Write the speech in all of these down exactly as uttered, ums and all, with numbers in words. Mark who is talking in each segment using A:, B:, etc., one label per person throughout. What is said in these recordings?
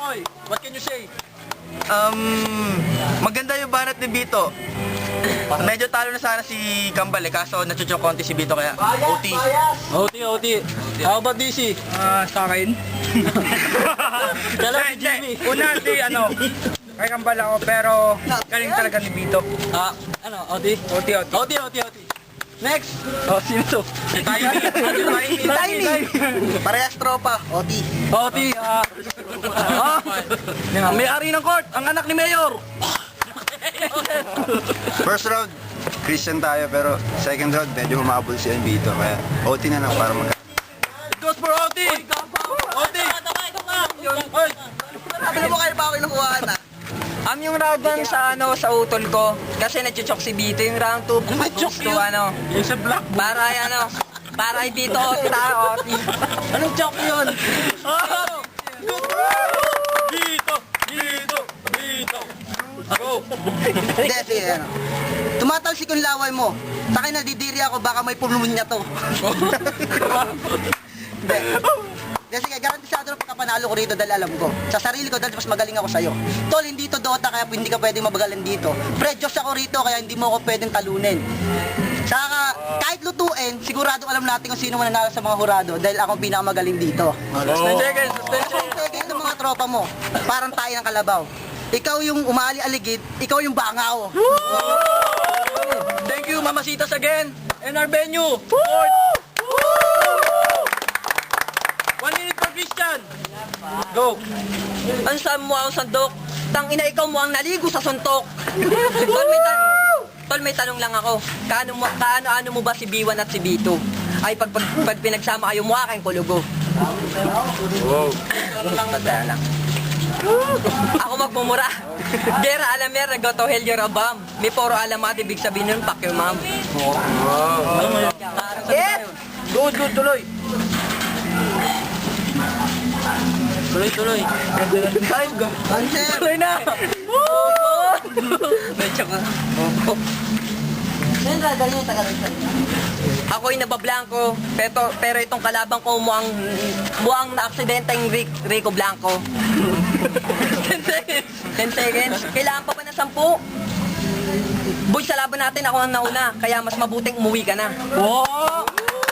A: Kokoy, what can you say?
B: Um, maganda yung banat ni Bito. Medyo talo na sana si Kambal eh, kaso nachuchok konti si Bito kaya O T.
A: O T, O T. How about D C?
C: Ah, sa akin.
A: Kala si Jimmy.
C: Una, di ano, kay Kambal ako, pero galing talaga ni Bito.
A: Ah, ano, O T?
C: O T, O T.
A: O T, O T, O T. Next! Oh, sino to?
B: Tiny.
A: Tiny!
B: Parehas tropa, O T.
A: O T, ah... ah, ang may-ari ng court, ang anak ni Mayor!
D: First round, Christian tayo, pero second round, medyo humabol si Bito. Kaya O T na lang para mag-
A: It goes for O T! O T! Oy!
B: Alam mo kayo pa ako inukuhaan na? Am yung round one sa ano sa utol ko kasi nagchuchok si Bito yung round two gusto ano
A: Yung sa black.
B: para ay ano para ay Bito O T O T.
A: Anong joke yun? Oh! Dito! Dito! Dito! Go!
E: Hindi, sige, ano. Tumatalsik yung laway mo. Sa akin nadidiri ako, baka may pulmonya to. Hindi. Hindi, sige, garantisado na pagkapanalo ko rito dahil alam ko. Sa sarili ko dahil mas magaling ako sa'yo. Tol, hindi to Dota kaya hindi ka pwedeng mabagalan dito. Pre-Diyos ako rito kaya hindi mo ako pwedeng talunin. Saka, kahit lutuin, sigurado alam natin kung sino mananalo sa mga hurado dahil ako ang pinakamagaling dito.
A: Suspension seconds! Suspension!
E: Sige, ito mga tropa mo, parang tayo ng kalabaw. Ikaw yung umali-aligid, ikaw yung bangaw.
A: Thank you, Mamasitas again! And our venue! Fourth! One minute for Christian! Go!
B: Ang saan mo ang sandok? Tang ina ikaw mo ang naligo sa suntok. Tol may, ta- Tol, may tanong lang ako. Kaano mo kaano ano mo ba si B one at si B two? Ay pag pag, pag pinagsama kayo mukha kayong kulugo.
A: Wow!
B: Tandaan lang. Ako magmumura. Gera alamer goto hell your abam. May poro alamat ibig sabihin nun pak your mom. Yes!
A: Good, good, tuloy! Tuloy, tuloy! Time go! Tuloy na!
B: Medyo ka. Ako'y nabablanko, pero, pero itong kalabang ko muang, muang na-aksidenteng Rick, Rico Blanco. ten seconds. ten seconds. Kailangan pa ba ng sampu? Boy, sa laban natin ako ang nauna, kaya mas mabuting umuwi ka na.
A: Oh!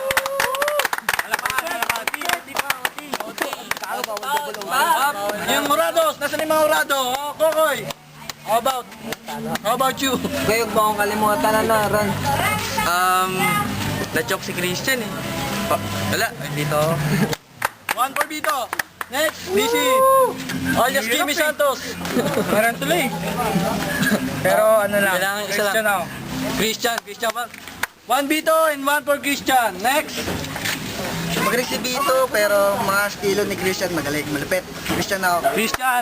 A: Yung Murados, nasaan yung mga Murado? Oh, Kokoy! How about? How about you?
B: Ngayon ba akong kalimutan na na, Ron?
C: Um, na-choke si Christian eh. Pa wala, dito.
A: One for Bito. Next, D C. Alias Jimmy Santos.
C: Parang tuloy. Pero ano lang,
A: Kailangan isa
C: Christian
A: lang.
C: ako.
A: Christian, Christian pa. One Bito and one for Christian. Next.
E: Magaling si Bito, pero mga estilo ni Christian magaling, malupit. Christian ako.
A: Christian.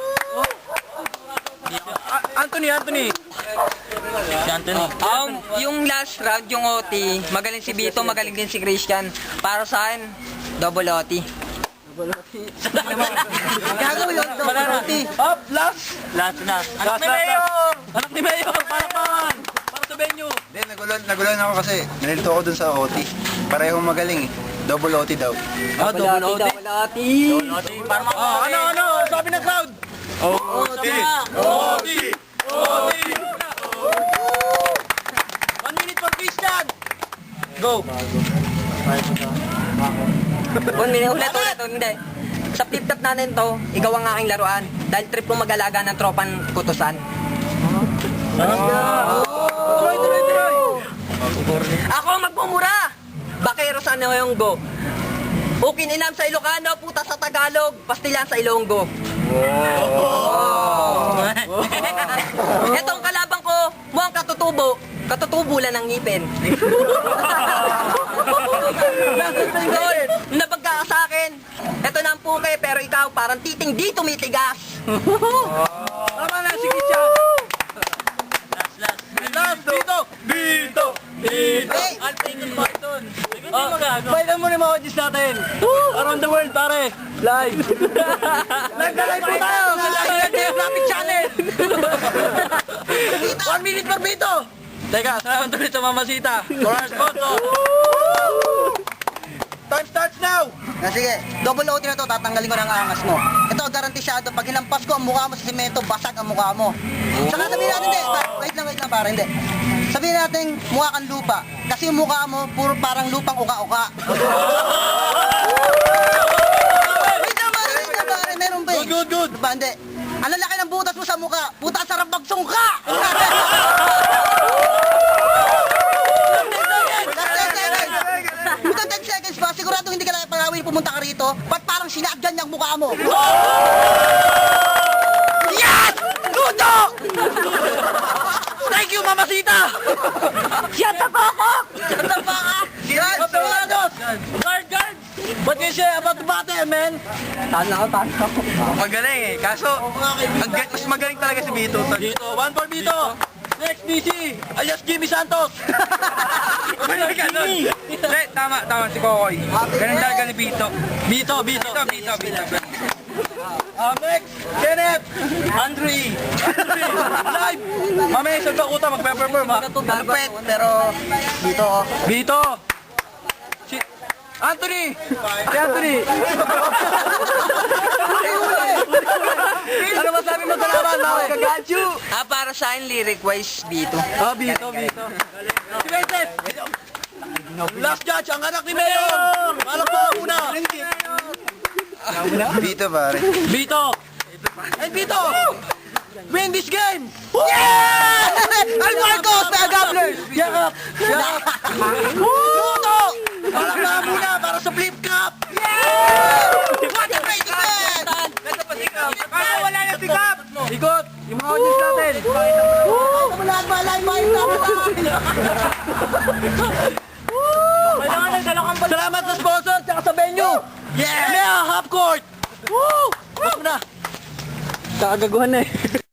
A: Ah, Anthony, Anthony. Si Anthony.
B: Um, yung last round, yung O T, magaling si Bito, magaling din si Christian. Para sa akin, double O T.
E: Gago yun,
A: Banana.
E: Dota.
A: Up, last. Last na. Anak ni Mayor. Anak ni Mayor. Para pan. Para sa venue.
D: Hindi, nagulon, nagulon ako kasi nalito ako dun sa O T. Parehong magaling eh. Double O T daw.
A: Ah, double O T.
B: Double O T.
A: O T. Para mga... Oh, ano, ano? Sabi ng crowd. O T. O T. O T. One minute for Christian. Go.
B: One minute, ulit, ulit, hindi. Sa flip-top natin to, ikaw ang aking laruan. Dahil trip ko mag-alaga ng tropan kutusan.
A: Tuloy, tuloy, tuloy.
B: Ako ang magmumura! Bakero sa ano yung go? Ukin inam sa Ilocano, puta sa Tagalog, pastilan sa Ilonggo. Etong kalabang ko, mukhang katutubo, katutubo lang ng ngipin. Tol, nabagka ka sa akin. Ito na ang puke, pero ikaw parang titing di tumitigas.
A: Tama na, sige siya. Last, last. Last, dito. Dito. Dito. Ang tingin mo ito. Oh, bailan mo na mga audience natin. Around the world, pare. Live. Nagka-live po tayo. Sa Live Geographic Channel. One minute per Bito. Teka, salamat ulit sa Mamasita. For our sponsor. Time starts now!
E: Ah, sige, double O T na to, tatanggalin ko ng angas mo. Ito, garantisado, pag hinampas ko ang mukha mo sa simento, basag ang mukha mo. Saka sabihin natin, hindi, pa- wait lang, wait lang, para, hindi. Sabihin natin, mukha kang lupa. Kasi yung mukha mo, puro parang lupang uka-uka. Wait lang, pare, wait lang, pare, meron ba eh?
A: Good, good, good.
E: Diba, hindi. Ang lalaki ng butas mo sa mukha, puta, sarap magsungka! Puta, ten seconds pa, sigurado hindi ka lang pangawin pumunta ka rito, ba't parang sinagyan niyang mukha mo?
A: Yes! Luto! Thank you, Mamasita!
B: Shut the fuck up!
E: Ano ba ka?
A: Guard, guard! Guard, guard! What can you say about the battle, man?
B: Talo ako, talo ako.
C: Magaling eh. Kaso, ang, ga- mas magaling talaga si Vito.
A: Bito, one for Bito! Next, B C! Alias Jimmy Santos!
C: Magaling ka nun. Hindi, tama, tama si Kokoy. Ganun talaga ni Vito.
A: Bito, Bito!
C: Vito, Vito, Vito.
A: Uh, next, Kenneth! Andre! Andre! Live! Mamaya isang takuta, magpe-perform ha?
E: Malupit, pero dito oh.
A: Bito! Si... Anthony! Si Anthony! Ano masabi mo sa laban, Maui? Kagachu!
B: Ah, para sa akin, lyric-wise, Bito.
A: Ah, Bito, Bito. Si Vincent! Last judge, ang anak ni Mayor! Malak pa una!
D: Dito pare.
A: Bito! And Bito! Win this game!
E: Yeah! Almarcos, the Gobblers!
A: Yakap! Yakap! Luto! Malak pa muna para sa flip cup!
E: What a great event!
C: Kaso wala na si Cap.
A: Ikot! Yung mga audience natin!
E: Wala ba, live ba yung
A: Salamat sa sponsor at sa venue! Yeah! Mea Half Court! Woo! Basta mo na! Kakagaguhan na eh.